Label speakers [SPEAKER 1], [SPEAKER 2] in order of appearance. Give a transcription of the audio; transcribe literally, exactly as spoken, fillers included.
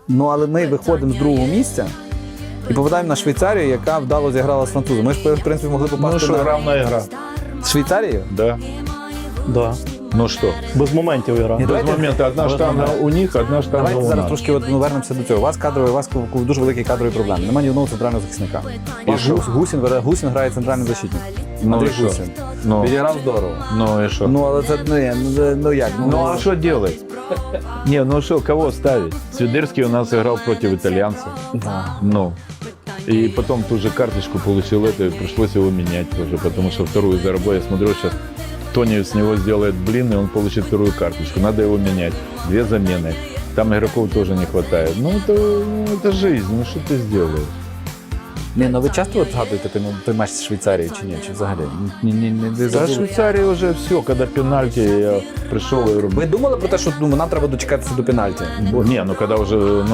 [SPEAKER 1] Ну, але ми виходимо з другого місця і попадаємо на Швейцарію, яка вдало зіграла з французом. Ми ж, в принципі, могли попасти
[SPEAKER 2] Ну что,
[SPEAKER 1] на...
[SPEAKER 2] равная игра.
[SPEAKER 1] з Швейцарією?
[SPEAKER 2] Да.
[SPEAKER 3] Да.
[SPEAKER 2] Ну что?
[SPEAKER 3] Без моментів гра.
[SPEAKER 1] Ні,
[SPEAKER 2] Без
[SPEAKER 1] давайте-
[SPEAKER 2] момента. Одна
[SPEAKER 1] Без
[SPEAKER 2] штанга
[SPEAKER 1] моменту.
[SPEAKER 2] у них, одна штанга
[SPEAKER 1] Давайте
[SPEAKER 2] у
[SPEAKER 1] зараз
[SPEAKER 2] нас.
[SPEAKER 1] трошки от, ну, вернемося до цього. У вас кадрові, у вас дуже великі кадрові проблеми. Немає ні одного центрального захисника.
[SPEAKER 2] І
[SPEAKER 1] Ваш
[SPEAKER 2] що?
[SPEAKER 1] Гус- Гусін, бере- Гусін грає центральний защитник.
[SPEAKER 2] Ну
[SPEAKER 1] Андрій
[SPEAKER 2] і що?
[SPEAKER 1] Гусін.
[SPEAKER 2] Ну.
[SPEAKER 1] Відіграв здорово.
[SPEAKER 2] Ну и что?
[SPEAKER 1] Ну, але це не, ну, ну як? Ну,
[SPEAKER 2] Ну а что делать? Не, ну что, кого ставить? Свидерский у нас играл против итальянцев.
[SPEAKER 1] да.
[SPEAKER 2] Ну. И потом ту же карточку получил это, и пришлось его менять тоже, потому что вторую заработал. Я смотрю, сейчас Тони с него сделает блин, и он получит вторую карточку. Надо его менять. Две замены. Там игроков тоже не хватает. Ну это, ну, это жизнь, ну что ты сделаешь?
[SPEAKER 1] Ні, ну ви часто от згадуєте той, ну, той матч з Швейцарією чи ні? Чи взагалі? Ні, ні, ні, ви
[SPEAKER 2] Да,
[SPEAKER 1] забули?
[SPEAKER 2] Швейцария уже все, когда пенальти, я пришел и говорю,
[SPEAKER 1] Ви думали про те, що ну, нам треба дочекатися до пенальті?
[SPEAKER 2] не, ну когда уже